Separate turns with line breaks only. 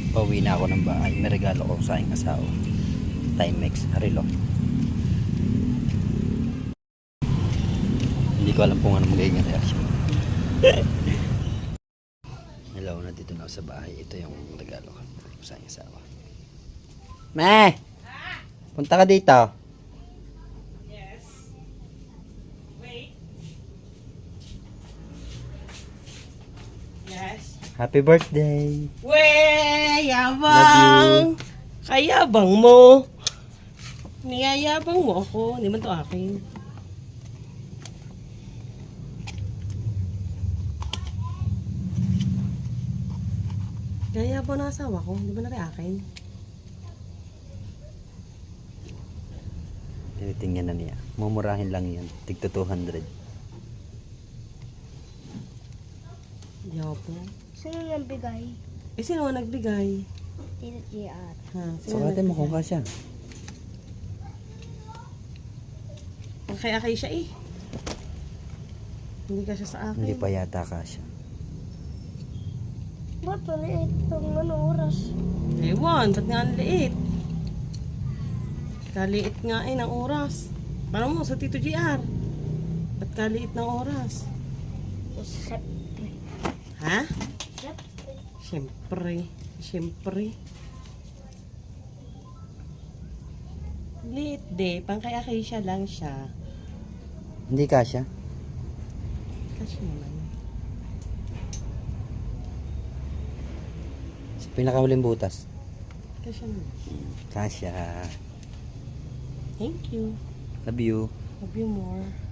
Pauwi na ako ng bahay. May regalo ko sa aking asawa. Timex, Harilo. Hindi ko alam kung ano magiging reaction. Hello, nandito na ako sa bahay. Ito yung regalo ko sa aking asawa. Me! Punta ka dito.
Yes. Wait. Yes.
Happy birthday!
Wey!
Love
Yabang! Kayabang mo! Niyayabang mo ako. Hindi man to akin. Kayabang na asawa ko. Hindi man na rin akin.
Tinitingnan na niya. Mumurahin lang yan. Tigto 200.
Yabang.
Sino nagbigay?
Eh, sino ang nagbigay?
Tito JR.
Ha?
Sukatin mo kung kasya.
Kaya siya eh. Hindi ka siya sa akin.
Hindi pa yata kasya.
Ba't maliit itong oras?
Ewan, ba't nga ang liit? Kaliit nga eh ng oras. Parang mo sa Tito GR. Ba't kaliit ng oras?
Siyempre.
Ha?
Siyempre.
Siyempre. Siyempre. Liit de. Pang kay Acacia lang siya.
Hindi kasya.
Kasi naman.
Sa pinakahuling butas.
Kasi naman.
Kasya.
Thank you.
Love you.
Love you more.